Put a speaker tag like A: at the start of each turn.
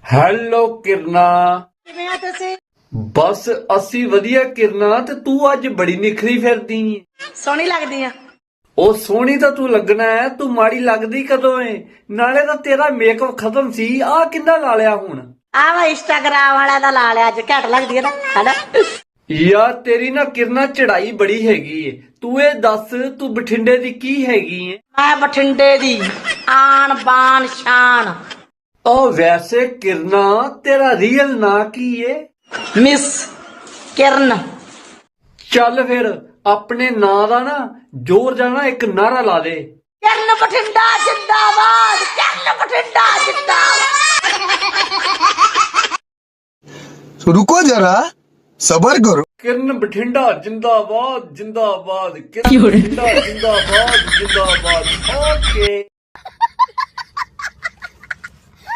A: Hello ਕਿਰਨਾ।
B: ਕਿਵੇਂ ਆ ਤੁਸੀਂ?
A: ਬਸ ਅਸੀਂ ਵਧੀਆ ਕਿਰਨਾ। ਤੇ ਤੂੰ ਅੱਜ ਬੜੀ ਨਿਖਰੀ ਫਿਰਦੀ ਏ।
B: ਸੋਹਣੀ ਲੱਗਦੀ ਆ।
A: ਉਹ ਸੋਹਣੀ ਤਾਂ ਤੂੰ ਲੱਗਣਾ ਹੈ, ਤੂੰ ਮਾੜੀ ਲੱਗਦੀ ਕਦੋਂ ਏ? ਨਾਲੇ ਤਾਂ ਤੇਰਾ ਮੇਕਅਪ ਖਤਮ ਸੀ, ਆਹ ਕਿੰਨਾ ਲਾ ਲਿਆ ਹੁਣ?
B: ਆ ਵਾ ਇੰਸਟਾਗ੍ਰਾਮ ਵਾਲਿਆਂ ਦਾ ਲਾ ਲਿਆ ਅੱਜ, ਘੱਟ ਲੱਗਦੀ ਆ ਨਾ ਹਨਾ।
A: ਯਾਰ ਤੇਰੀ ਨਾ ਕਿਰਨਾ ਚੜਾਈ ਬੜੀ ਹੈਗੀ ਏ। ਤੂੰ ਇਹ ਦੱਸ, ਤੂੰ ਬਠਿੰਡੇ ਦੀ ਕੀ ਹੈਗੀ ਏ?
B: ਮੈਂ ਬਠਿੰਡੇ ਦੀ ਆਨ ਬਾਨ ਸ਼ਾਨ
A: ਉਹ ਵੈਸੇ ਕਿਰਨਾ ਤੇਰਾ ਰੀਅਲ ਨਾਂ ਕੀ ਏ?
B: ਮਿਸ ਕਿਰਨ।
A: ਚੱਲ ਫਿਰ ਆਪਣੇ ਨਾਂ ਦਾ ਨਾ ਜ਼ੋਰ ਜਾਣਾ ਇੱਕ ਨਾਰਾ ਲਾ ਦੇ।
B: ਕਿਰਨ ਬਠਿੰਡਾ ਜਿੰਦਾਬਾਦ, ਕਿਰਨ ਬਠਿੰਡਾ ਜਿੰਦਾਬਾਦ।
C: रुको जरा सबर करो।
A: किरण बठिंडा जिंदाबाद जिंदाबाद, किरण बठिंडा जिंदाबाद जिंदाबाद। ओके।